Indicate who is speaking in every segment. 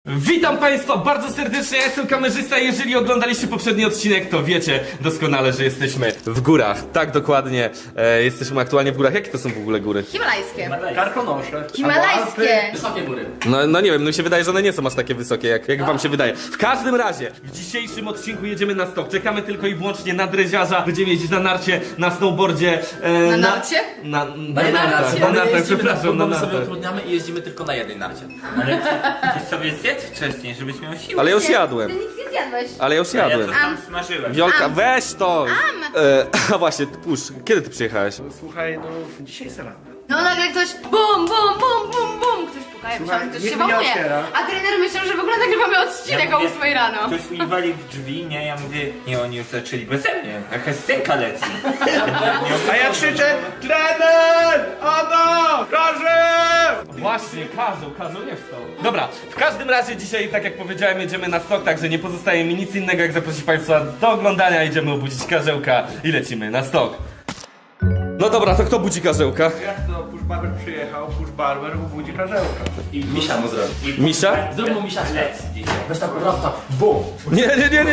Speaker 1: Witam Państwa bardzo serdecznie, ja jestem kamerzysta. Jeżeli oglądaliście poprzedni odcinek, to wiecie doskonale, że jesteśmy w górach. Tak, dokładnie, jesteśmy aktualnie w górach. Jakie to są w ogóle góry?
Speaker 2: Himalajskie.
Speaker 3: Karkonosze.
Speaker 2: Himalajskie.
Speaker 3: Wysokie góry.
Speaker 1: No nie wiem, mi się wydaje, że one nie są aż takie wysokie, jak wam się wydaje. W każdym razie, w dzisiejszym odcinku jedziemy na stok. Czekamy tylko i wyłącznie na dreziarza. Będziemy jeździć na narcie, na snowboardzie.
Speaker 2: Na narcie?
Speaker 1: Na
Speaker 2: narcie.
Speaker 1: nartach, przepraszam, na
Speaker 3: My sobie
Speaker 1: nartach.
Speaker 3: utrudniamy i jeździmy tylko na jednej narcie.
Speaker 4: Ale ty sobie zjedz wcześniej, żebyś miał siłę.
Speaker 1: Ale ja już jadłem.
Speaker 2: Ty nic nie zjadłeś.
Speaker 1: Ale ja już
Speaker 4: Ja
Speaker 1: jadłem.
Speaker 4: to tam smażyłem.
Speaker 1: Wiolka, weź to! A właśnie, pusz, kiedy ty przyjechałeś?
Speaker 5: Słuchaj, no dzisiaj jest rano.
Speaker 2: No nagle ktoś bum, bum, bum, bum, bum. Ktoś puka, ja myślałam, że ktoś
Speaker 5: niech
Speaker 2: się
Speaker 5: mnie
Speaker 2: wołuje.
Speaker 5: otwiera.
Speaker 2: A trener myślał, że w ogóle nagrywamy odcinek o 8 rano.
Speaker 4: Ktoś mi wali w drzwi, nie? Ja mówię, nie, oni już zaczęli beze mnie. Jakaś scenka leci.
Speaker 5: A ja krzyczę, trener! Ono! Każę!
Speaker 1: Właśnie, każą, nie wstał. Dobra, w każdym razie dzisiaj, tak jak powiedziałem, jedziemy na stok, także nie pozostaje mi nic innego, jak zaprosić Państwa do oglądania. Idziemy obudzić Karzełka i lecimy na stok. No dobra, to kto budzi Karzełka?
Speaker 5: Jak to Push Barber przyjechał, Push Barber ubudzi karzełka.
Speaker 3: I misia mu zrobi.
Speaker 1: Misia?
Speaker 3: Zrób mu misia
Speaker 4: Leci dzisiaj.
Speaker 3: Weź tak prosto. Bum.
Speaker 1: Nie.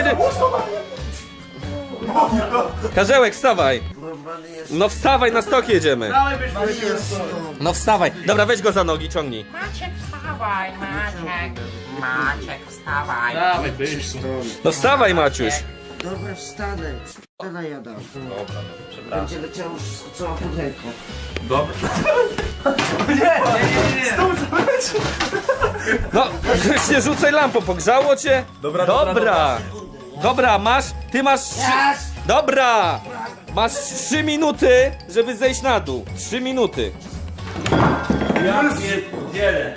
Speaker 1: Karzełek, wstawaj! No wstawaj, na stok jedziemy!
Speaker 5: Dawaj, byśmy
Speaker 1: No wstawaj! Dobra, weź go za nogi, ciągnij.
Speaker 4: Maciek, wstawaj, Maciek. Maciek, wstawaj.
Speaker 5: Dawaj, byś
Speaker 1: No wstawaj, Maciuś!
Speaker 6: Dobra, wstanę. Wstanę jada. Dobra, będzie leciało wszystko, cała pudełko.
Speaker 4: Dobra.
Speaker 1: No, nie rzucaj lampą, pogrzało cię? Dobra, masz, ty masz... Dobra! Masz 3 minuty, żeby zejść na dół. 3 minuty.
Speaker 4: Ja pierdzielę.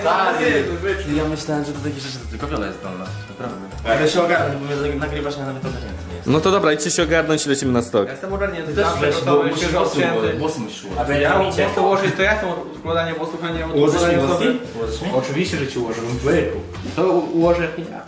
Speaker 3: Ja myślałem, że do takich rzeczy to tylko Wiola jest zdolna. Naprawdę. Ale się ogarnę, bo nagrywasz, ja nawet ogarnięty nie jestem.
Speaker 1: No to dobra, idźcie się ogarnąć i lecimy na stok.
Speaker 5: Jestem ogarnięty,
Speaker 3: Też
Speaker 5: zawsze
Speaker 3: weź, bo
Speaker 5: gotowy,
Speaker 3: musisz
Speaker 5: świeżo
Speaker 3: włosy
Speaker 5: odcięty.
Speaker 3: włosy musisz ułożyć.
Speaker 5: A ja mam włosy ułożyć, to ja chcę układanie włosów, a nie
Speaker 3: Ułożysz mi
Speaker 5: układanie
Speaker 3: włosy?
Speaker 5: włosów.
Speaker 3: Ułożysz mi?
Speaker 5: Oczywiście, że ci ułożę, byku. To ułożę ja.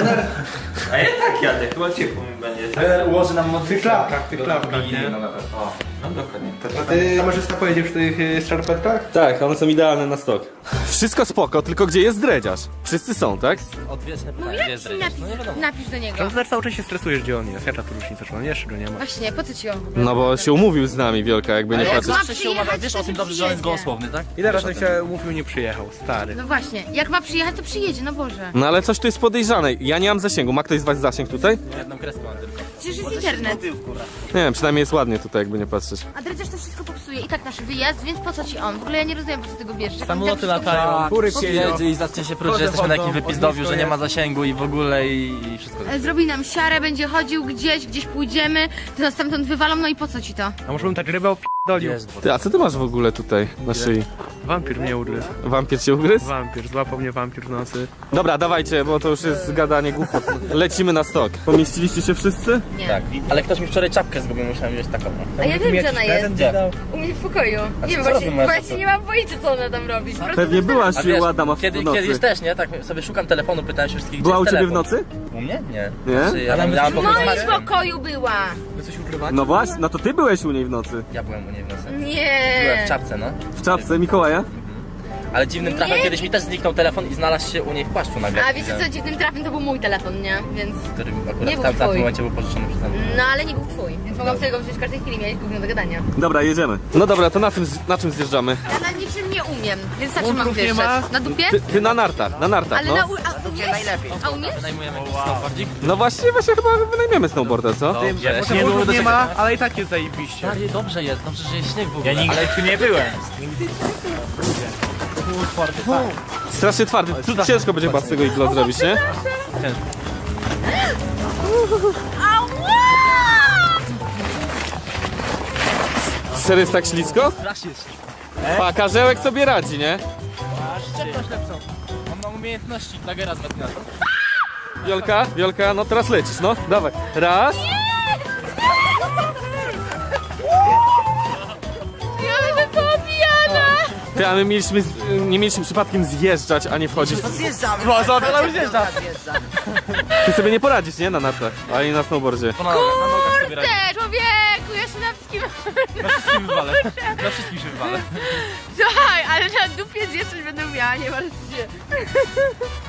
Speaker 4: A ja tak jadę, chyba ciepło mi będzie.
Speaker 3: Trener ułoży nam
Speaker 5: W tych klapkach, nie?
Speaker 3: No na pewno. O.
Speaker 4: No dokładnie.
Speaker 5: A ty kamerzysta pojedzie w tych skarpetkach?
Speaker 1: Tak, one są idealne na stok. Wszystko spoko, tylko gdzie jest dredziarz? Wszyscy są, tak?
Speaker 3: Odwieczne
Speaker 2: No
Speaker 3: pytanie, gdzie jest dredziarz? No nie wiadomo.
Speaker 2: Napisz do niego.
Speaker 5: No cały czas się stresujesz, gdzie on jest. Jaka tu różnica, czy on jeszcze go nie ma?
Speaker 2: Właśnie, po co ci on w ogóle?
Speaker 1: No bo się umówił z nami, Wielka, jakby nie
Speaker 2: Ale
Speaker 1: patrzeć.
Speaker 2: ma
Speaker 3: Zawsze się umawiam,
Speaker 2: przyjechać,
Speaker 3: wiesz
Speaker 2: to
Speaker 3: o tym
Speaker 2: nie
Speaker 3: dobrze, że on jest
Speaker 2: przyjedzie.
Speaker 3: gołosłowny, tak?
Speaker 5: Ile razy się umówił, nie przyjechał, stary.
Speaker 2: No właśnie, jak ma przyjechać, to przyjedzie, no Boże.
Speaker 1: No ale coś tu jest podejrzane. Ja nie mam zasięgu. Ma ktoś z was zasięg tutaj?
Speaker 3: Jedną kreską mam tylko.
Speaker 2: Przecież jest internet.
Speaker 1: Nie wiem, przynajmniej jest ładnie tutaj, jakby nie patrzeć.
Speaker 2: A dredziarz to wszystko popsuje i tak nasz wyjazd, więc po co ci on? W ogóle ja nie rozumiem, po co ty go bierzesz. Jak on
Speaker 3: Samoloty
Speaker 2: tak wszystko
Speaker 3: latają,
Speaker 5: Kury
Speaker 3: jedzie i zacznie się próć, że jesteśmy na jakimś wypizdowiu, że nie ma zasięgu i w ogóle i wszystko.
Speaker 2: Zrobi nam siarę, będzie chodził gdzieś pójdziemy, to nas stamtąd wywalą, no i po co ci to?
Speaker 5: A może bym tak rybę opi***dolił?
Speaker 1: Ty, a co ty masz w ogóle tutaj na szyi?
Speaker 5: Wampir mnie ugryzł.
Speaker 1: Wampir cię ugryzł?
Speaker 5: Wampir, złapał mnie wampir w nocy.
Speaker 1: Dobra, dawajcie, bo to już jest gadanie głupot. Lecimy na stok. Pomieściliście się wszyscy?
Speaker 2: Nie.
Speaker 3: Tak, ale ktoś mi wczoraj czapkę zgubił, musiałem wziąć taką. No.
Speaker 2: A ja wiem, gdzie ona jest.
Speaker 3: Gdzie?
Speaker 2: U mnie w pokoju.
Speaker 3: A
Speaker 2: Nie wiem,
Speaker 3: co robi moja
Speaker 2: właśnie
Speaker 3: siostra?
Speaker 2: nie mam pojęcia, co ona tam robi. Po prostu
Speaker 1: Pewnie byłaś
Speaker 3: A wiesz,
Speaker 1: u Adama w
Speaker 3: kiedyś
Speaker 1: nocy.
Speaker 3: też, nie? Tak sobie szukam telefonu, pytałem się wszystkich,
Speaker 1: Była
Speaker 3: gdzie
Speaker 1: u
Speaker 3: jest
Speaker 1: ciebie w
Speaker 3: telefon.
Speaker 1: nocy?
Speaker 3: U mnie? Nie.
Speaker 1: Nie?
Speaker 3: Znaczy, ja tam miałam
Speaker 2: W
Speaker 3: pokój z
Speaker 2: moim
Speaker 3: Maćkiem.
Speaker 2: pokoju była.
Speaker 5: Wy coś ukrywacie?
Speaker 1: No właśnie, no to ty byłeś u niej w nocy.
Speaker 3: Ja byłem u niej w nocy. Byłem
Speaker 2: Nie.
Speaker 3: w czapce, no.
Speaker 1: W czapce Mikołaja?
Speaker 3: Ale dziwnym trafem
Speaker 2: Nie.
Speaker 3: kiedyś mi też zniknął telefon i znalazł się u niej w płaszczu nagle.
Speaker 2: A wiecie co, dziwnym trafem to był mój telefon, nie? Więc...
Speaker 3: Który
Speaker 2: Nie
Speaker 3: akurat
Speaker 2: był
Speaker 3: w tamtym
Speaker 2: twój.
Speaker 3: momencie był pożyczony przeze mnie.
Speaker 2: No ale nie był twój, więc mogłam sobie go wziąć w każdej chwili, miałeś gówno do gadania.
Speaker 1: Dobra, jedziemy. No dobra, to na czym zjeżdżamy?
Speaker 2: Ja na niczym nie umiem, więc na czym mam
Speaker 5: Łąków nie
Speaker 2: wjeżdżać?
Speaker 5: ma?
Speaker 2: Na dupie?
Speaker 1: Ty na nartach,
Speaker 2: Ale
Speaker 1: no.
Speaker 2: na umiesz?
Speaker 6: najlepiej.
Speaker 2: A umiesz?
Speaker 3: Wynajmujemy jakiś snowboardzik?
Speaker 1: No właśnie chyba wynajmiemy snowboarda, co?
Speaker 5: Może łąków nie ma, ale i tak jest zajebiście.
Speaker 3: Stary, dobrze jest, dobrze, że jest śnieg w ogóle.
Speaker 4: Ja nigdy tu nie byłem.
Speaker 1: Strasznie twardy. Tu ciężko będzie chyba z tego iglo zrobić, nie? Serio jest tak ślisko?
Speaker 3: Strasznie jest.
Speaker 1: Pa, Karzełek sobie radzi, nie?
Speaker 3: Szczepność lepszą. Mam umiejętności Dagera z Batmana.
Speaker 1: Wiolka, no teraz lecisz, no. Dawaj. Raz.
Speaker 2: Ja będę poobijana!
Speaker 1: Ty, a my nie mieliśmy przypadkiem zjeżdżać, a nie wchodzić.
Speaker 6: Zjeżdżamy.
Speaker 3: No, za już zjeżdża.
Speaker 1: Ty sobie nie poradzisz, nie? Na nartach, ani na snowboardzie.
Speaker 3: Na nogach sobie radzi.
Speaker 2: Ty, człowieku, ja się na wszystkim...
Speaker 3: Na wszystkim wywalę. Na wszystkim się wywalę.
Speaker 2: Słuchaj, ale na dupie zjeżdżać będę miała, nie martw się.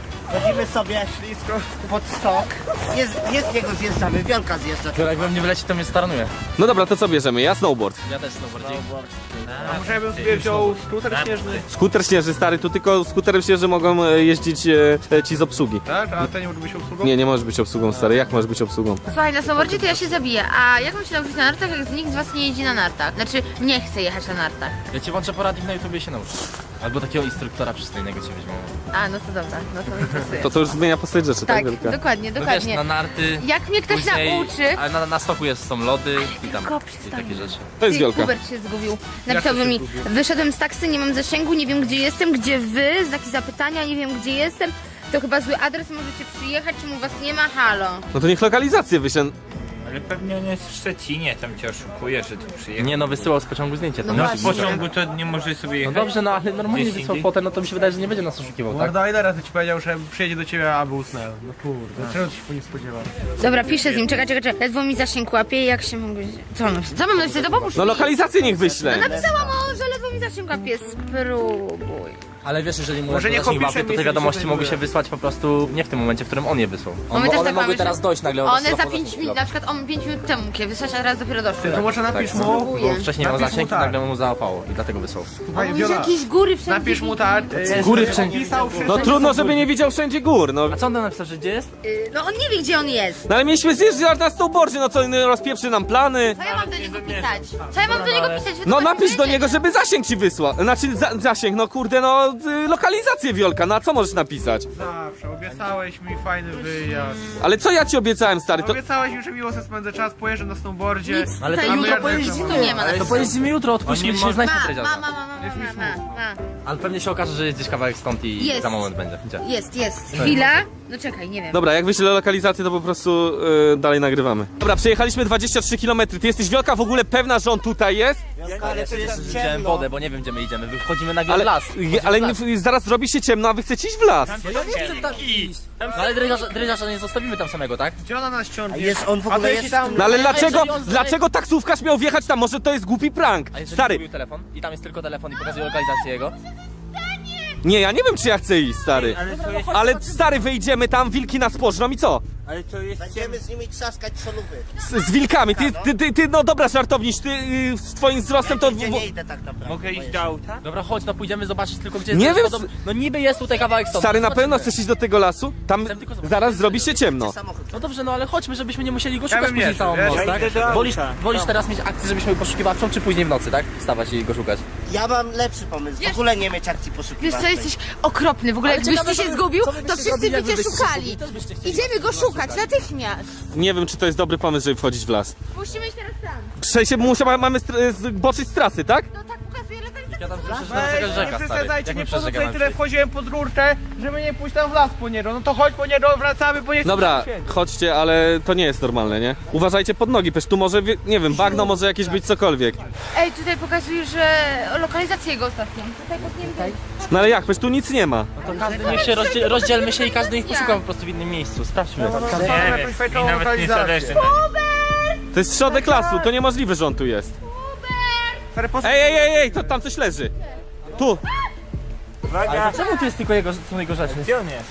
Speaker 6: Chodzimy sobie ślisko pod stok. Nie z niego zjeżdżamy, Wiolka zjeżdża.
Speaker 3: To jak we mnie wyleci, to mnie staranuje.
Speaker 1: No dobra, to co bierzemy? Ja snowboard.
Speaker 3: Ja też snowboardzik.
Speaker 5: A może ja bym sobie wziął skuter śnieżny?
Speaker 1: Skuter śnieżny, stary, tu tylko skuterem śnieżny mogą jeździć ci z obsługi.
Speaker 5: Tak? A to nie może być obsługą?
Speaker 1: Nie możesz być obsługą, stary, jak możesz być obsługą?
Speaker 2: Słuchaj, na snowboardzie to ja się zabiję, a jak mam się nauczyć na nartach, jak nikt z was nie jeździ na nartach? Znaczy, nie chce jechać na nartach.
Speaker 3: Ja ci włączę poradnik na YouTubie i się nauczysz. Albo takiego instruktora przystojnego cię weźmiemy.
Speaker 2: A, no to dobra, no to mnie interesuje.
Speaker 1: To już zmienia postać rzeczy, tak,
Speaker 2: Tak,
Speaker 1: Wielka?
Speaker 2: dokładnie,
Speaker 3: No wiesz,
Speaker 2: dokładnie.
Speaker 3: na narty.
Speaker 2: Jak mnie ktoś
Speaker 3: później-
Speaker 2: nauczy...
Speaker 3: Ale na stoku są lody i tam
Speaker 2: tylko
Speaker 3: i
Speaker 2: przestań.
Speaker 3: takie rzeczy.
Speaker 1: To jest
Speaker 2: Ty,
Speaker 1: Wielka.
Speaker 2: Hubert się zgubił. Napisałby mi, wyszedłem z taksy, nie mam zasięgu, nie wiem gdzie jestem, gdzie wy, znaki zapytania, nie wiem gdzie jestem. To chyba zły adres, możecie przyjechać, czemu was nie ma, halo.
Speaker 1: No to niech lokalizację wyślę.
Speaker 4: Ale pewnie on jest w Szczecinie, tam cię oszukuje, że tu przyjechał.
Speaker 3: Nie no, wysyłał z pociągu zdjęcie tam.
Speaker 2: No
Speaker 4: No
Speaker 2: właśnie.
Speaker 4: w pociągu to nie może sobie
Speaker 3: No
Speaker 4: jechać.
Speaker 3: dobrze, no ale normalnie
Speaker 4: Gdzieś
Speaker 3: wysłał
Speaker 4: indziej?
Speaker 3: fotę, no to mi się wydaje, że nie będzie nas oszukiwał, tak?
Speaker 5: Mordo, ile razy ci powiedział, że przyjedzie do ciebie, aby usnęł? No kurde, czego ci się po nie spodziewał?
Speaker 2: Dobra, piszę z nim, czekaj. Ledwo mi zasięg łapie, jak się mogę... Co mam napisać? Co mam napisać? To pomóż
Speaker 1: No
Speaker 2: mi.
Speaker 1: lokalizację niech wyślę.
Speaker 2: Napisałam o, że ledwo mi zasięg łapie, spróbuj.
Speaker 3: Ale wiesz, jeżeli mu
Speaker 5: Może
Speaker 3: nie
Speaker 5: niech
Speaker 3: łapie,
Speaker 5: opisze
Speaker 3: to te
Speaker 5: miejsce,
Speaker 3: wiadomości
Speaker 5: gdzie
Speaker 3: mogły
Speaker 5: się
Speaker 3: się wysłać po prostu nie w tym momencie, w którym on je wysłał.
Speaker 2: my też
Speaker 3: One
Speaker 2: tak mamy,
Speaker 3: mogły
Speaker 2: że-
Speaker 3: teraz dojść nagle od
Speaker 2: One za
Speaker 3: samochodu
Speaker 2: 5
Speaker 3: za
Speaker 2: minut, na przykład on 5 minut temu mógł wysłać, a teraz dopiero doszło.
Speaker 5: Ty, to może napisz mu,
Speaker 2: Spróbuję.
Speaker 3: Bo wcześniej miał
Speaker 5: Napisz mu
Speaker 3: zasięg i
Speaker 5: tak.
Speaker 3: nagle mu załapało i dlatego wysłał.
Speaker 5: słuchaj,
Speaker 2: Może
Speaker 5: Wiola,
Speaker 2: jakieś góry wszędzie.
Speaker 5: napisz mu tak,
Speaker 1: Góry wszędzie.
Speaker 5: pisał wszystko.
Speaker 1: No trudno, żeby nie widział wszędzie gór, no.
Speaker 3: A co on tam napisał, że gdzie jest?
Speaker 2: No on nie wie, gdzie on jest.
Speaker 1: No ale mieliśmy zjeżdżać na snowboardzie, no co, rozpieprzy nam plany.
Speaker 2: Co ja mam do niego pisać? Co ja mam do niego pisać? Wy
Speaker 1: No
Speaker 2: to
Speaker 1: napisz do
Speaker 2: wiecie.
Speaker 1: niego, żeby zasięg ci wysłał. Znaczy zasięg, no kurde, no lokalizację Wiolka, na co możesz napisać?
Speaker 5: Zawsze, obiecałeś mi fajny wyjazd.
Speaker 1: Ale co ja ci obiecałem, stary, to...
Speaker 5: Obiecałeś mi, że miło sobie spędzę czas, pojeżdżę na snowboardzie.
Speaker 2: Nic
Speaker 3: Ale to
Speaker 2: tutaj
Speaker 3: jutro
Speaker 2: nie-
Speaker 5: pojeździmy.
Speaker 2: Tu nie ma na
Speaker 3: To pojeździmy jutro, odpuśćmy
Speaker 4: On nie
Speaker 3: dzisiaj,
Speaker 4: może-
Speaker 3: znajdźmy
Speaker 2: Ma.
Speaker 3: tredziarza. Ale pewnie się okaże, że jest gdzieś kawałek stąd i
Speaker 2: Jest.
Speaker 3: za moment będzie. Gdzie?
Speaker 2: Jest. Chwila. No czekaj, nie wiem.
Speaker 1: Dobra, jak wyślę lokalizację, to po prostu dalej nagrywamy. Dobra, przejechaliśmy 23 km. Ty jesteś Wiolka w ogóle pewna, że on tutaj jest?
Speaker 6: Ale to jest
Speaker 3: Widziałem
Speaker 6: ciemno.
Speaker 3: wodę, bo nie wiem gdzie my idziemy. Wychodzimy nagle
Speaker 1: Ale,
Speaker 3: w las.
Speaker 1: ale zaraz robi się ciemno, a wy chcecie iść w las.
Speaker 3: No ja nie chcę tam iść. No ale dredziarza nie zostawimy tam samego, tak?
Speaker 5: Gdzie ona nas ciągnie?
Speaker 6: A jest on w
Speaker 5: A to
Speaker 6: ogóle
Speaker 5: jeśli
Speaker 6: jest
Speaker 5: tam...
Speaker 1: No ale dlaczego,
Speaker 3: jeżeli on
Speaker 1: dlaczego taksówkarz miał wjechać tam? Może to jest głupi prank?
Speaker 3: A jeżeli
Speaker 1: Stary,
Speaker 3: zgubił telefon i tam jest tylko telefon i pokazuje lokalizację jego?
Speaker 1: nie, ja nie wiem, czy ja chcę iść, stary.
Speaker 4: Ale to jest...
Speaker 1: Ale stary, wyjdziemy tam, wilki nas pożrą i co?
Speaker 4: Ale to jest...
Speaker 6: Będziemy z nimi trzaskać solówy.
Speaker 1: Z wilkami, ty, no dobra, żartowniś, ty z twoim wzrostem to...
Speaker 6: Nigdzie nie idę tak naprawdę.
Speaker 4: Mogę iść do auta?
Speaker 3: Dobra, chodź, no pójdziemy zobaczyć tylko gdzie jest.
Speaker 1: Nie wiem,
Speaker 3: No niby jest tutaj kawałek stąd.
Speaker 1: Stary, na
Speaker 3: Zobaczymy.
Speaker 1: pewno chcesz iść do tego lasu? Tam
Speaker 3: Chcę tylko zobaczyć.
Speaker 1: zaraz zrobi się ciemno.
Speaker 6: Samochód.
Speaker 3: No dobrze, no ale chodźmy, żebyśmy nie musieli go
Speaker 5: Ja
Speaker 3: szukać
Speaker 5: bym
Speaker 3: później
Speaker 5: nie
Speaker 3: całą
Speaker 5: szedł,
Speaker 3: noc,
Speaker 5: ja
Speaker 3: tak?
Speaker 4: idę do auta.
Speaker 3: Wolisz teraz mieć akcję, żebyśmy poszukiwawczą, czy później w nocy, tak? Wstawać i go szukać.
Speaker 6: Ja mam lepszy pomysł. W ogóle nie mieć akcji
Speaker 2: Wiesz
Speaker 6: poszukiwaczej.
Speaker 2: co, jesteś okropny. W ogóle
Speaker 3: Ale
Speaker 2: jakbyś
Speaker 3: ciekawe,
Speaker 2: ty się
Speaker 3: co wy-
Speaker 2: zgubił,
Speaker 3: co wy
Speaker 2: to
Speaker 3: byście
Speaker 2: wszyscy
Speaker 3: zrobili,
Speaker 2: by cię
Speaker 3: jakbyście się
Speaker 2: szukali.
Speaker 3: zgubili? Też byście chcieli
Speaker 2: Idziemy go szukać natychmiast.
Speaker 1: Nie wiem, czy to jest dobry pomysł, żeby wchodzić w las.
Speaker 2: Musimy iść teraz tam.
Speaker 1: W sensie mamy zboczyć z trasy, tak?
Speaker 2: No tak pokazuje lokalizację.
Speaker 3: Ja tam słyszę, że tam jest jakaś rzeka, stary.
Speaker 5: Przesadzajcie,
Speaker 3: Jak
Speaker 5: nie
Speaker 3: my
Speaker 5: po co
Speaker 3: przez rzekę
Speaker 5: tutaj
Speaker 3: mamy
Speaker 5: tyle
Speaker 3: przejść?
Speaker 5: wchodziłem pod rurkę, żeby nie pójść tam w las po niego. No to chodź po niego, wracamy, bo nie chcę
Speaker 1: Dobra,
Speaker 5: tu siedzieć.
Speaker 1: chodźcie, ale to nie jest normalne, nie? Uważajcie pod nogi, przecież tu może, nie wiem, bagno może jakieś być cokolwiek.
Speaker 2: Ej, tutaj pokazuje, że lokalizację jego ostatnią. Tutaj podniemy.
Speaker 1: No ale jak, przecież tu nic nie ma.
Speaker 3: To każdy niech się rozdzielmy się i każdy niech poszuka po prostu w innym miejscu. Sprawdźmy to.
Speaker 5: Mamy
Speaker 4: Nie
Speaker 5: jakąś
Speaker 4: wiem, mi
Speaker 5: fajną
Speaker 4: nawet nie
Speaker 5: lokalizację.
Speaker 4: zależy na nim.
Speaker 1: To jest środek lasu, to niemożliwe, że on tu jest.
Speaker 5: Stary,
Speaker 1: Ej, to tam coś leży. Tu.
Speaker 3: Ale to czemu tu jest tylko są jego rzeczy?
Speaker 4: Gdzie on jest?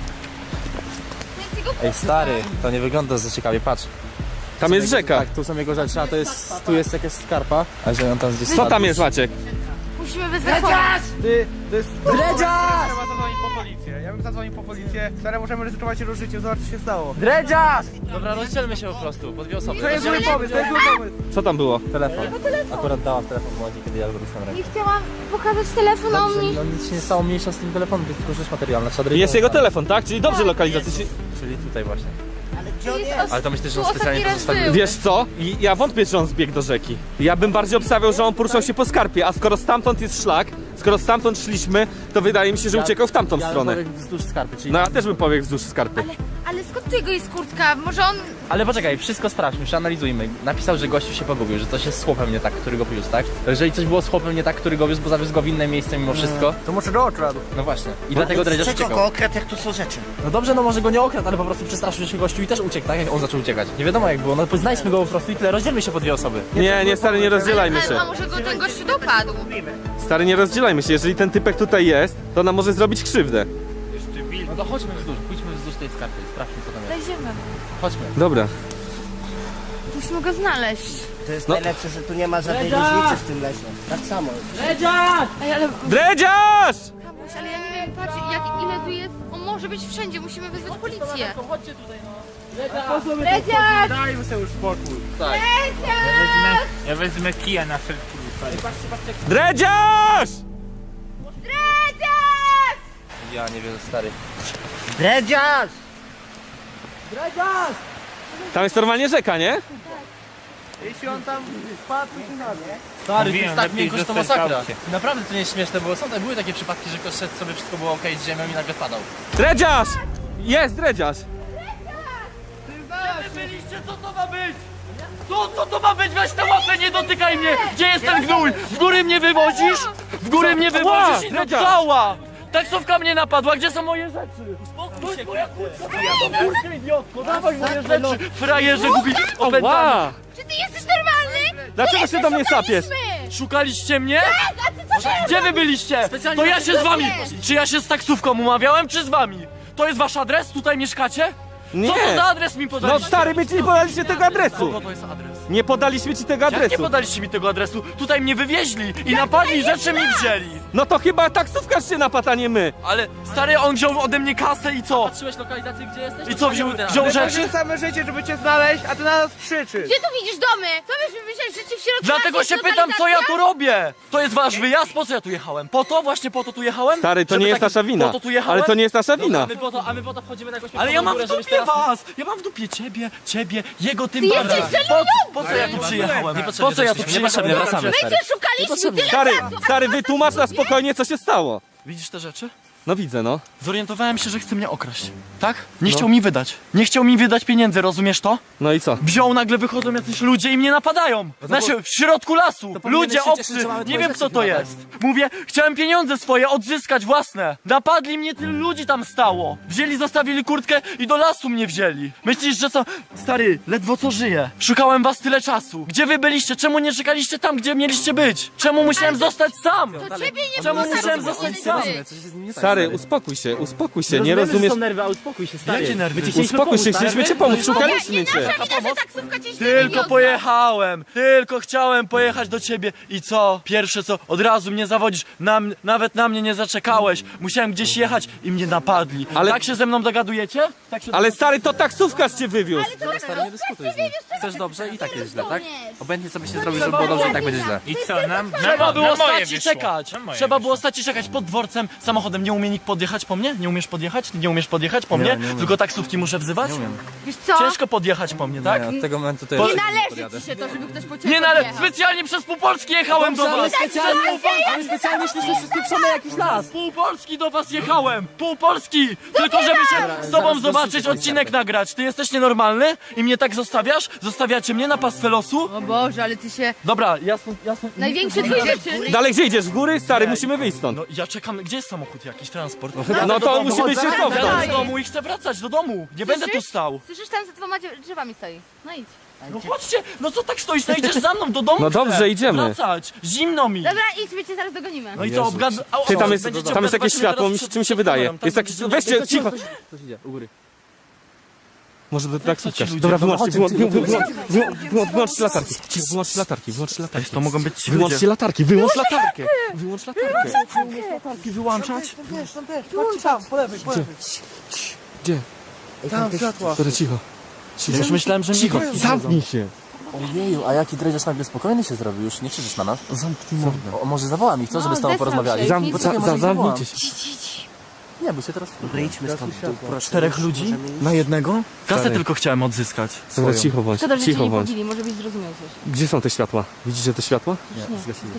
Speaker 3: Ej stary, to nie wygląda za ciekawie, patrz.
Speaker 1: Tam jest rzeka.
Speaker 3: Tak, tu są jego rzeczy, a tu jest jakaś skarpa. A że on tam gdzieś
Speaker 1: Co tam jest, Maciek?
Speaker 2: Musimy wezwać pomoc.
Speaker 5: To jest...
Speaker 3: Dredziarz!
Speaker 5: Trzeba zadzwonić po policję. Ja bym zadzwonił po policję. Stary, możemy ryzykować jego życiem, zobacz co się stało.
Speaker 3: Dredziarz! Dobra, rozdzielmy się po prostu, po dwie osoby.
Speaker 5: To jest zły pomysł, to jest zły pomysł.
Speaker 1: Co tam było?
Speaker 3: Telefon. Akurat dałam telefon młodzi, kiedy ja go dostałem rękę.
Speaker 2: Nie chciałam pokazać telefon o mnie.
Speaker 3: No nic się nie stało mniejsza z tym telefonem, to jest tylko rzecz materialna. Trzeba
Speaker 1: Jest jego telefon, tak? Czyli dobrze lokalizacja.
Speaker 3: Czyli tutaj właśnie.
Speaker 6: Ale gdzie on jest?
Speaker 3: Ale to myślę, że
Speaker 2: Tu
Speaker 3: on specjalnie to
Speaker 2: ostatni raz
Speaker 3: zostawił.
Speaker 2: był.
Speaker 1: Wiesz co? Ja wątpię, że on zbiegł do rzeki. Ja bym bardziej obstawiał, że on poruszał się po skarpie, a skoro stamtąd jest szlak, skoro stamtąd szliśmy, to wydaje mi się, że uciekał w tamtą stronę.
Speaker 3: Wzdłuż skarpy, czyli...
Speaker 1: No ja też bym pobiegł wzdłuż skarpy.
Speaker 2: Ale skąd tu jego jest kurtka? Może on...
Speaker 3: Ale poczekaj, wszystko sprawdźmy, przeanalizujmy. Napisał, że gościu się pogubił, że coś jest z chłopem nie tak, który go wiózł, tak? Jeżeli coś było z chłopem nie tak, który go wiózł, bo zawiózł go w inne miejsce mimo wszystko,
Speaker 5: To może do oczu.
Speaker 3: no właśnie. I dlatego dredziarz
Speaker 6: Czego
Speaker 3: uciekał.
Speaker 6: go okradł, jak tu są rzeczy?
Speaker 3: No dobrze, no może go nie okradł, ale po prostu przestraszył się gościu i też uciekł, tak? Jak on zaczął uciekać. Nie wiadomo jak było, no to znajdźmy go po prostu i tyle, rozdzielmy się po dwie osoby.
Speaker 1: Nie, stary, nie rozdzielajmy się.
Speaker 2: A może go ten gościu dopadł?
Speaker 1: Stary, nie rozdzielajmy się. Jeżeli ten typek tutaj jest, to nam może zrobić krzywdę.
Speaker 4: Jeszcze wilk.
Speaker 3: No to chodźmy pójdźmy wzdłuż tej skarpy i sprawdźmy co tam jest.
Speaker 2: Znajdziemy.
Speaker 3: Chodźmy.
Speaker 1: Dobra.
Speaker 2: Musimy go znaleźć.
Speaker 6: To jest najlepsze, że tu nie ma żadnej różnicy w tym lesie. Tak samo.
Speaker 2: Ej, ale...
Speaker 1: Dredziarz!
Speaker 2: Kamuś, ale ja nie wiem, patrz, ile tu jest. On może być wszędzie, musimy wezwać policję.
Speaker 3: Chodźcie tutaj no.
Speaker 2: Dredziarz!
Speaker 5: Dajmy sobie już spokój.
Speaker 3: Tak.
Speaker 4: Ja wezmę kija na wszelki wypadek.
Speaker 1: Dredziarz!
Speaker 2: Dredziarz!
Speaker 3: Ja nie wiem, stary.
Speaker 6: Dredziarz!
Speaker 1: Tam jest normalnie rzeka, nie?
Speaker 5: Jeśli on tam spadł, to na mnie.
Speaker 3: Stary,
Speaker 4: Mówiłem,
Speaker 3: to jest tak
Speaker 4: lepiej
Speaker 3: miękkość, to
Speaker 4: zostać w
Speaker 3: masakra.
Speaker 4: aucie.
Speaker 3: Naprawdę to nie jest śmieszne, bo były takie przypadki, że ktoś szedł sobie, wszystko było okej z ziemią i nagle padał.
Speaker 1: Dredziarz! Jest dredziarz!
Speaker 7: Byliście, co to ma być? Co to ma być? Weź tę łapę, nie dotykaj mnie! Gdzie jest ten gnój? W góry mnie wywozisz? W góry mnie wywozisz i to
Speaker 1: Dredziarz!
Speaker 7: cała! Taksówka mnie napadła, gdzie są moje rzeczy? Uspokój się, moja kurka, idiotko, dawaj moje rzeczy! Frajerze gubi opętany!
Speaker 1: Ła!
Speaker 2: Czy ty jesteś normalny?
Speaker 1: Dlaczego się do mnie sapiesz?
Speaker 7: Szukaliście mnie? Gdzie wy byliście? To ja się z wami! Czy ja się z taksówką umawiałem, czy z wami? To jest wasz adres? Tutaj mieszkacie?
Speaker 1: Nie!
Speaker 7: Co to za adres mi
Speaker 1: No
Speaker 7: podaliście?
Speaker 1: stary, my ci nie podaliśmy tego adresu!
Speaker 7: Kogo to jest adres?
Speaker 1: Nie podaliśmy ci tego
Speaker 7: Jak nie
Speaker 1: adresu!
Speaker 7: podaliście mi tego adresu? Tutaj mnie wywieźli i napadli, rzeczy mi wzięli.
Speaker 1: No to chyba taksówkarz się napadł, a nie my!
Speaker 7: Ale stary, on wziął ode mnie kasę i co?
Speaker 3: Patrzyłeś lokalizację, gdzie jesteś?
Speaker 7: I co, wziął
Speaker 5: My
Speaker 7: rzeczy?
Speaker 5: poświęcamy życie, żeby cię znaleźć, a ty na nas krzyczysz.
Speaker 2: Gdzie tu widzisz domy? Co byśmy myśleli, że ci w środku
Speaker 7: Dlatego
Speaker 2: jest
Speaker 7: się pytam, co ja tu robię? To jest wasz wyjazd? Po co ja tu jechałem? Po to? Właśnie po to tu jechałem?
Speaker 1: Stary, to
Speaker 7: Żeby
Speaker 1: nie jest
Speaker 7: taki-
Speaker 1: nasza wina!
Speaker 7: Po to tu jechałem?
Speaker 1: Ale to nie jest nasza wina!
Speaker 3: A my po to wchodzimy na jakąś
Speaker 7: Ale ja mam w
Speaker 3: górę, żebyś
Speaker 7: dupie
Speaker 3: teraz-
Speaker 7: was! Ja mam w dupie ciebie, jego tym
Speaker 2: Ty
Speaker 7: bardziej.
Speaker 2: jesteś
Speaker 7: Po co ja tu przyjechałem?
Speaker 3: Niepotrzebnie
Speaker 7: Po co ja tu
Speaker 3: żeśmy- niepotrzebnie,
Speaker 7: przyjechałem?
Speaker 3: wracamy.
Speaker 2: My cię szukaliśmy tyle
Speaker 1: Stary,
Speaker 2: czasu.
Speaker 1: stary, wytłumacz na spokojnie, co się stało!
Speaker 7: Widzisz te rzeczy?
Speaker 1: No widzę, no.
Speaker 7: Zorientowałem się, że chce mnie okraść. Tak? Nie chciał mi wydać. Nie chciał mi wydać pieniędzy, rozumiesz to?
Speaker 1: No i co?
Speaker 7: Wziął, nagle wychodzą jacyś ludzie i mnie napadają. Znaczy, w środku lasu. Ludzie
Speaker 3: się cieszyć,
Speaker 7: obcy.
Speaker 3: że mamy
Speaker 7: Nie
Speaker 3: twoje
Speaker 7: wiem
Speaker 3: rzeczy
Speaker 7: kto to
Speaker 3: chyba, tak?
Speaker 7: jest. Mówię, chciałem pieniądze swoje odzyskać własne. Napadli mnie, tylu ludzi tam stało. Wzięli, zostawili kurtkę i do lasu mnie wzięli. Myślisz, że co? Stary, ledwo co żyję. Szukałem was tyle czasu. Gdzie wy byliście? Czemu nie czekaliście tam, gdzie mieliście być? Czemu musiałem zostać sam?
Speaker 2: To ciebie nie
Speaker 7: Czemu
Speaker 2: było
Speaker 7: musiałem
Speaker 2: tam,
Speaker 7: zostać
Speaker 2: gdzie
Speaker 7: sam?
Speaker 2: być.
Speaker 1: Stary, uspokój się, nie rozumiesz...
Speaker 3: są nerwy, ale uspokój się, stary.
Speaker 7: Jakie nerwy?
Speaker 1: Uspokój się, chcieliśmy cię pomóc, szukaliśmy cię!
Speaker 2: Nasza wina, że taksówka cię źle
Speaker 7: Tylko
Speaker 2: wywiozła.
Speaker 7: pojechałem, tylko chciałem pojechać do ciebie i co? Pierwsze co, od razu mnie zawodzisz, nawet na mnie nie zaczekałeś, musiałem gdzieś jechać i mnie napadli.
Speaker 1: Ale-
Speaker 7: Tak się ze mną dogadujecie? Tak się...
Speaker 1: Ale stary, to taksówkarz cię wywiózł!
Speaker 3: Stary, nie dyskutuj z nim. Chcesz dobrze i tak jest źle, tak? Obojętnie co byś nie zrobił, żeby było dobrze i tak będzie źle.
Speaker 4: I co, nam
Speaker 7: Trzeba było
Speaker 4: na moje
Speaker 7: stać i
Speaker 4: wyszło.
Speaker 7: czekać.
Speaker 4: Na moje
Speaker 7: Trzeba
Speaker 4: wyszło.
Speaker 7: było stać i czekać pod dworcem samochodem. Nie umie nikt podjechać po mnie? Nie umiesz podjechać? Nie umiesz podjechać po mnie? Tylko taksówki muszę wzywać?
Speaker 2: Wiesz co?
Speaker 7: Ciężko podjechać po mnie, tak?
Speaker 3: Od tego momentu to
Speaker 7: Po-
Speaker 2: Nie należy ci się to, żeby ktoś po ciebie
Speaker 7: Nie, no ale
Speaker 2: podjechał.
Speaker 7: specjalnie przez pół Polski jechałem do was!
Speaker 3: Ale specjalnie szliśmy przez pieprzony jakiś las.
Speaker 7: Pół Polski do was jechałem! Pół Polski! Tylko żeby się z tobą zobaczyć, odcinek nagrać. Ty jesteś nienormalny i mnie tak zostawiasz? Zostawiacie mnie na pastwę losu?
Speaker 2: O Boże, ale ty się...
Speaker 7: Dobra, jasno.
Speaker 2: Największy twój wyczyn.
Speaker 1: Dalej, gdzie idziesz? W góry? Stary, musimy wyjść stąd.
Speaker 7: No ja czekam, gdzie jest samochód jakiś, transport?
Speaker 1: No to musimy się
Speaker 7: Ja
Speaker 1: cofnąć.
Speaker 7: do domu i chcę wracać do domu. Nie będę tu stał.
Speaker 2: Słyszysz, tam za dwoma drzewami stoi. No idź.
Speaker 7: No chodźcie, no co tak stoisz? No idziesz za mną do domu.
Speaker 1: No
Speaker 7: chcę
Speaker 1: dobrze, idziemy.
Speaker 7: Wracać, zimno mi.
Speaker 2: Dobra, idź, my cię zaraz dogonimy.
Speaker 7: No i co,
Speaker 1: Ty, tam jest jakieś światło, czym się wydaje? Jest jakieś... Weźcie, cicho!
Speaker 3: Coś idzie, u góry.
Speaker 1: Może to
Speaker 7: ci
Speaker 1: taksówkarz.
Speaker 7: ludzie?
Speaker 1: Dobra,
Speaker 7: No
Speaker 1: wyłączcie latarki. Cicho, wyłączcie latarki.
Speaker 7: To mogą być ci
Speaker 1: Wyłączcie latarki, wyłącz latarkę! Wyłącz latarkę!
Speaker 7: ludzie wyłączać.
Speaker 5: Tam też, patrzcie tam, po lewej, po lewej.
Speaker 1: Gdzie?
Speaker 5: Tam światła.
Speaker 1: Dobra, cicho.
Speaker 7: Już myślałem, że
Speaker 1: Cicho,
Speaker 7: mnie
Speaker 1: zamknij się!
Speaker 3: Ojeju, a jaki dredziarz nagle spokojny się zrobił, już nie krzyczysz na nas?
Speaker 7: Zamknij mordę.
Speaker 3: Może zawołam ich, co, żeby z tobą
Speaker 2: zesrał
Speaker 3: porozmawiali?
Speaker 2: się.
Speaker 1: Zamknijcie się.
Speaker 3: Nie, bo się teraz...
Speaker 6: Wyjdźmy stąd.
Speaker 7: 4 ludzi? Na jednego? Kasę
Speaker 1: Stary.
Speaker 7: tylko chciałem odzyskać.
Speaker 1: Dobra,
Speaker 7: Swoją.
Speaker 1: cicho bądź,
Speaker 2: Szkoda, że cię
Speaker 1: cicho
Speaker 2: nie
Speaker 1: bądź.
Speaker 2: pobili, może byś zrozumiał coś.
Speaker 1: Gdzie są te światła? Widzicie te światła?
Speaker 2: Nie,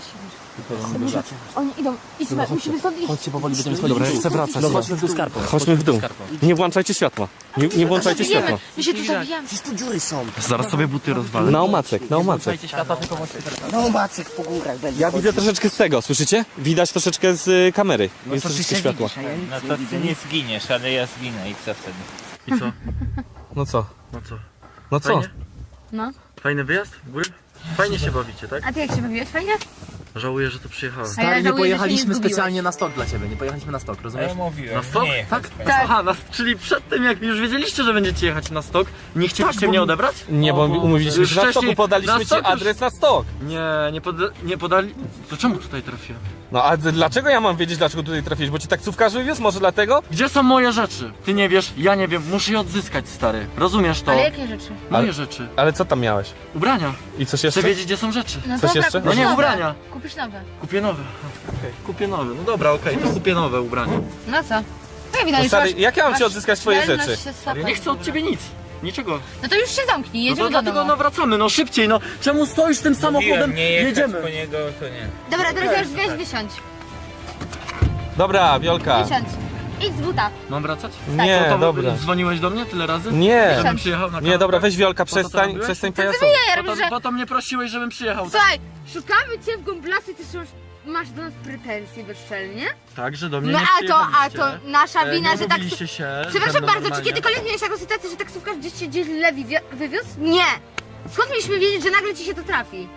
Speaker 2: oni idą, idźmy, musimy stąd iść.
Speaker 3: Chodźcie powoli, będziemy schodzić.
Speaker 7: Dobra, ja chcę wracać.
Speaker 3: No chodźmy w dół skarpą.
Speaker 1: Chodźmy w dół. Nie włączajcie światła. Nie włączajcie światła.
Speaker 2: My się tu zabijamy.
Speaker 6: Przecież tu dziury są.
Speaker 7: Zaraz sobie buty rozwalę.
Speaker 1: Na omacek, na omacek.
Speaker 3: Słuchajcie światła, tylko włączcie teraz.
Speaker 6: No macek po górach będzie.
Speaker 1: Ja widzę troszeczkę z tego, słyszycie? Widać troszeczkę z kamery. Jest
Speaker 6: To ty
Speaker 1: troszeczkę
Speaker 6: się
Speaker 1: światła.
Speaker 6: widzisz, a ja nic
Speaker 4: No
Speaker 6: nie
Speaker 4: to
Speaker 6: widzę.
Speaker 4: ty nie zginiesz, ale ja zginę i co wtedy?
Speaker 7: I co?
Speaker 1: No co?
Speaker 7: No co?
Speaker 1: No co?
Speaker 7: Fajnie?
Speaker 2: No.
Speaker 7: Fajny wyjazd w góry? Fajnie się bawicie, tak?
Speaker 2: A ty jak się bawiłeś? Fajnie?
Speaker 7: Żałuję, że tu przyjechałem.
Speaker 2: A ja
Speaker 3: Stary, nie
Speaker 2: żałuję, że się nie
Speaker 3: pojechaliśmy
Speaker 2: zgubiłeś.
Speaker 3: specjalnie na stok dla ciebie, nie pojechaliśmy na stok, rozumiesz?
Speaker 4: Ja mówiłem,
Speaker 7: Na stok?
Speaker 4: nie jechać
Speaker 7: Tak?
Speaker 4: będzie.
Speaker 7: Aha, czyli przed tym jak już wiedzieliście, że będziecie jechać na stok, nie chcieliście
Speaker 3: Tak, bo
Speaker 7: mnie
Speaker 3: mi-
Speaker 7: odebrać?
Speaker 1: Nie, bo umówiliśmy się na stoku, podaliśmy ci
Speaker 7: stok już-
Speaker 1: adres na stok.
Speaker 7: Nie podali... To czemu tutaj trafiłem?
Speaker 1: No a dlaczego ja mam wiedzieć, dlaczego tutaj trafiłeś? Bo ci taksówkarz wywiózł? Może dlatego?
Speaker 7: Gdzie są moje rzeczy? Ty nie wiesz, ja nie wiem, muszę je odzyskać, stary. Rozumiesz to?
Speaker 2: Ale jakie rzeczy?
Speaker 7: Moje
Speaker 1: Ale-
Speaker 7: rzeczy.
Speaker 1: Ale co tam miałeś?
Speaker 7: Ubrania.
Speaker 1: I coś
Speaker 7: Chcę
Speaker 1: jeszcze?
Speaker 7: wiedzieć, gdzie są rzeczy.
Speaker 2: No
Speaker 1: Coś
Speaker 2: dobra,
Speaker 1: jeszcze?
Speaker 2: kupisz
Speaker 7: No nie,
Speaker 2: nowe.
Speaker 7: ubrania.
Speaker 2: Kupisz nowe.
Speaker 7: Kupię nowe. Okej, kupię nowe. No dobra, okej, to kupię nowe ubrania.
Speaker 2: No co? No widać,
Speaker 1: No stary,
Speaker 2: masz-
Speaker 1: jak ja mam ci
Speaker 2: masz
Speaker 1: odzyskać twoje
Speaker 2: zdolność
Speaker 1: rzeczy?
Speaker 2: się
Speaker 7: Ja
Speaker 2: swapać.
Speaker 7: nie chcę od ciebie nic. Niczego.
Speaker 2: No to już się zamknij,
Speaker 7: No
Speaker 2: jedziemy
Speaker 7: to
Speaker 2: do
Speaker 7: dlatego
Speaker 2: domu.
Speaker 7: no wracamy, no szybciej, no. Czemu stoisz tym samochodem?
Speaker 4: Mówiłem, nie jechać
Speaker 7: Jedziemy.
Speaker 4: po niego, to nie.
Speaker 2: Dobra, teraz już weź wysiądź.
Speaker 1: Dobra, Wiolka.
Speaker 2: Wysiądź. Idź z buta.
Speaker 7: Mam wracać?
Speaker 1: Nie,
Speaker 7: No to
Speaker 1: dobra.
Speaker 7: dzwoniłeś do mnie tyle razy?
Speaker 1: Nie.
Speaker 7: Żebym przyjechał na
Speaker 1: Nie, dobra, weź Wiolka,
Speaker 7: Po co to
Speaker 1: przestań,
Speaker 7: robiłeś?
Speaker 1: przestań
Speaker 2: Ty
Speaker 1: pajacować.
Speaker 2: ja
Speaker 7: Po
Speaker 2: robię,
Speaker 7: to,
Speaker 2: że...
Speaker 7: po to mnie prosiłeś, żebym przyjechał.
Speaker 2: Słuchaj, szukamy cię w Gomblasy, ty już masz do nas pretensje bezczelnie?
Speaker 7: Tak, że do mnie
Speaker 2: No
Speaker 7: nie
Speaker 2: a
Speaker 7: przyjechaliście.
Speaker 2: to nasza wina,
Speaker 7: nie
Speaker 2: że tak...
Speaker 7: umówiliście się ze
Speaker 2: Przepraszam
Speaker 7: mną
Speaker 2: bardzo, czy
Speaker 7: normalnie.
Speaker 2: kiedykolwiek miałeś taką sytuację, że taksówkarz gdzieś cię źle wywiózł? Nie! Skąd mieliśmy wiedzieć, że nagle ci się to trafi?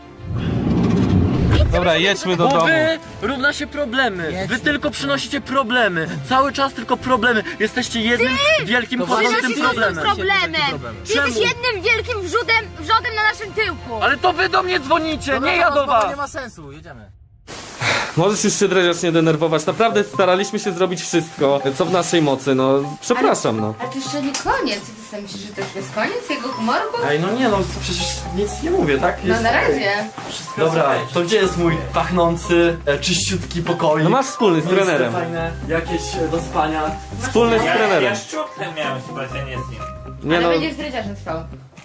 Speaker 1: Dobra, jedźmy do
Speaker 7: Bo
Speaker 1: domu.
Speaker 7: wy równa się problemy. Wy tylko przynosicie problemy. Cały czas tylko problemy. Jesteście jednym wielkim podstępnym
Speaker 2: Przynosisz
Speaker 7: problemem.
Speaker 2: problemem! Ty jesteś
Speaker 7: Czemu?
Speaker 2: jednym wielkim wrzodem na naszym tyłku!
Speaker 7: Ale to wy do mnie dzwonicie, nie ja do was.
Speaker 3: Nie ma sensu, jedziemy.
Speaker 1: Możesz już się Dreziarz nie denerwować. Naprawdę staraliśmy się zrobić wszystko, co w naszej mocy, no. Przepraszam, no.
Speaker 2: Ale to jeszcze nie koniec. Ty sobie myślisz, że to już jest koniec jego humoru?
Speaker 7: Ej, no nie no, przecież nic nie mówię, tak?
Speaker 2: No na razie.
Speaker 7: Dobra, to gdzie jest mój pachnący, czyściutki pokój?
Speaker 1: No masz wspólny z
Speaker 7: Miejsce
Speaker 1: trenerem.
Speaker 7: fajne, jakieś do spania.
Speaker 1: Wspólny z trenerem.
Speaker 4: Ja szczupłem miałem spłacenie z nim.
Speaker 1: Nie
Speaker 2: Ale
Speaker 1: no,
Speaker 2: będziesz z dredziarzem spał.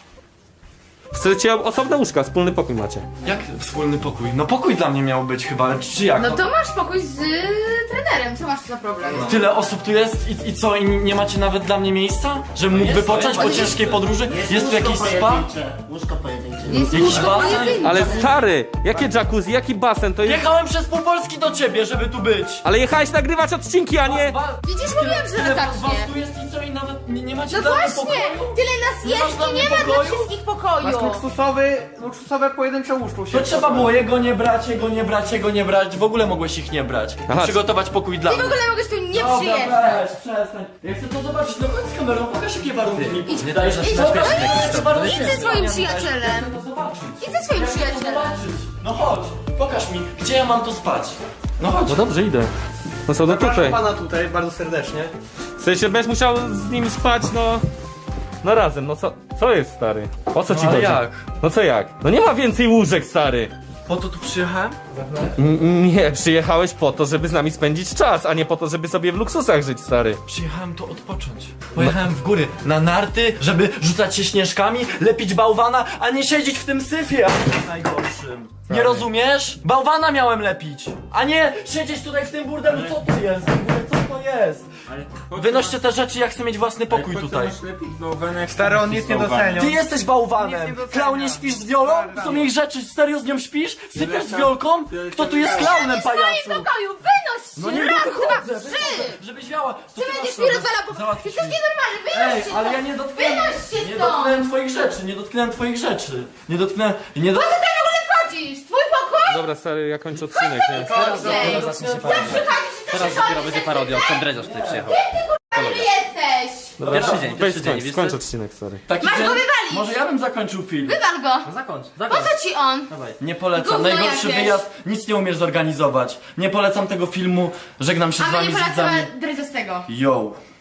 Speaker 1: chcecie osobne łóżka, wspólny pokój macie.
Speaker 7: Jak wspólny pokój? No pokój dla mnie miał być chyba, ale czy jak?
Speaker 2: No to masz pokój z trenerem, co masz za problem?
Speaker 7: Tyle osób tu jest i co, i nie macie nawet dla mnie miejsca? Że mógł wypocząć po ciężkiej podróży? Jest tu jakiś spa?
Speaker 6: Łóżko pojedyncze.
Speaker 2: Jest
Speaker 7: Jakiś
Speaker 2: łóżko
Speaker 7: basen?
Speaker 2: pojedyncze.
Speaker 1: Ale stary, jakie jacuzzi, jaki basen, to jest...
Speaker 7: Jechałem przez pół Polski do ciebie, żeby tu być!
Speaker 1: Ale jechałeś nagrywać odcinki, a nie...
Speaker 2: Widzisz, mówiłam, że
Speaker 7: Tyle
Speaker 2: tak
Speaker 7: was
Speaker 2: nie.
Speaker 7: tu jest i co, i nawet nie macie
Speaker 2: No
Speaker 7: dla mnie
Speaker 2: właśnie!
Speaker 7: pokoju?
Speaker 2: Tyle nas
Speaker 7: Nie masz
Speaker 2: jest
Speaker 7: dla
Speaker 2: i
Speaker 7: mnie
Speaker 2: nie ma dla
Speaker 7: pokoju?
Speaker 2: wszystkich
Speaker 5: Masz
Speaker 2: pokoju!
Speaker 5: luksusowe pojedyncze łóżko.
Speaker 7: To trzeba było jego nie brać, jego nie brać, jego nie brać, w ogóle mogłeś ich nie brać.
Speaker 1: Aha.
Speaker 7: Przygotować pokój dla
Speaker 2: Ty
Speaker 7: mnie.
Speaker 2: w ogóle mogłeś tu nie
Speaker 7: Dobra,
Speaker 2: przyjeżdżać!
Speaker 7: weź, przestań. Ja chcę to zobaczyć, no chodź z kamerą, pokaż jakie warunki mi
Speaker 3: Nie dajesz na śmieszny jakiś to.
Speaker 2: Idź ze swoim przyjacielem!
Speaker 7: Chcę to zobaczyć.
Speaker 2: Idź ze swoim
Speaker 7: Chcę to
Speaker 2: przyjacielem!
Speaker 7: zobaczyć. No chodź, pokaż mi, gdzie ja mam tu spać. No chodź.
Speaker 1: No dobrze, idę. No co, no tutaj.
Speaker 5: Zapraszam pana tutaj bardzo serdecznie.
Speaker 1: W sensie, będziesz musiał z nim spać, no... No razem, no co jest, stary? O co ci
Speaker 7: ale
Speaker 1: chodzi?
Speaker 7: jak?
Speaker 1: No co jak? No nie ma więcej łóżek, stary!
Speaker 7: Po to tu przyjechałem?
Speaker 1: Nie, przyjechałeś po to, żeby z nami spędzić czas, a nie po to, żeby sobie w luksusach żyć, stary.
Speaker 7: Przyjechałem tu odpocząć. Pojechałem w góry, na narty, żeby rzucać się śnieżkami, lepić bałwana, a nie siedzieć w tym syfie, najgorszym. Nie rozumiesz? Bałwana miałem lepić, a nie siedzieć tutaj w tym burdelu. Co to jest? Co to jest? Wynoście te rzeczy, ja chcę mieć własny pokój tutaj.
Speaker 5: Stary, on nic nie doceniał.
Speaker 7: Ty jesteś
Speaker 5: Nic
Speaker 7: bałwanem!
Speaker 5: nie docenia.
Speaker 7: Klaunie, śpisz z Wiolą? To są jej rzeczy, serio z nią śpisz? Sypiasz z Wiolką? Kto tu jest klaunem,
Speaker 2: W moim
Speaker 7: pajacu?
Speaker 2: pokoju! Wynoś się!
Speaker 7: No nie
Speaker 2: Raz,
Speaker 7: wychodzę,
Speaker 2: dwa, trzy!
Speaker 7: żebyś miała.
Speaker 2: Ty będziesz mi rozwalał po...
Speaker 7: Załatwić
Speaker 2: Jesteś
Speaker 7: mi.
Speaker 2: nienormalny,
Speaker 7: Ej,
Speaker 2: wynoś się
Speaker 7: ale ja
Speaker 2: stąd.
Speaker 7: nie dotknąłem.
Speaker 2: Wynoś się
Speaker 7: Nie
Speaker 2: stąd!
Speaker 7: dotknąłem twoich rzeczy, nie dotknąłem twoich rzeczy. Nie dotknąłem. Nie
Speaker 2: Po co
Speaker 7: dotknąłem.
Speaker 2: ty w ogóle wchodzisz? Twój pokój?
Speaker 1: Dobra, stary, ja kończę odcinek, nie?
Speaker 2: Chodź!
Speaker 3: Zacznie się
Speaker 2: Co
Speaker 3: parodia.
Speaker 2: przychodzisz i co
Speaker 3: Teraz
Speaker 2: się
Speaker 3: dopiero
Speaker 2: chodzi?
Speaker 3: będzie parodia, odkąd Dreziarz tutaj przyjechał.
Speaker 2: Ty jesteś!
Speaker 1: Dobra,
Speaker 3: Pierwszy dzień,
Speaker 1: weź
Speaker 3: pierwszy dzień,
Speaker 1: skończ,
Speaker 3: wiesz
Speaker 1: skończ
Speaker 3: co?
Speaker 1: odcinek, stary.
Speaker 7: Taki
Speaker 2: Masz
Speaker 7: dzień-
Speaker 2: go wywalić.
Speaker 7: Może ja bym zakończył film.
Speaker 2: Wywal go!
Speaker 3: No zakończ,
Speaker 2: Po
Speaker 3: zakończ.
Speaker 2: co ci on?
Speaker 7: Nie polecam.
Speaker 2: Gówno
Speaker 7: Najgorszy
Speaker 2: jakieś.
Speaker 7: wyjazd, nic nie umiesz zorganizować. Nie polecam tego filmu. Żegnam się
Speaker 2: A
Speaker 7: z
Speaker 2: my
Speaker 7: wami
Speaker 2: nie
Speaker 7: z widzami.
Speaker 2: polecamy Dredziastego.
Speaker 7: Yo.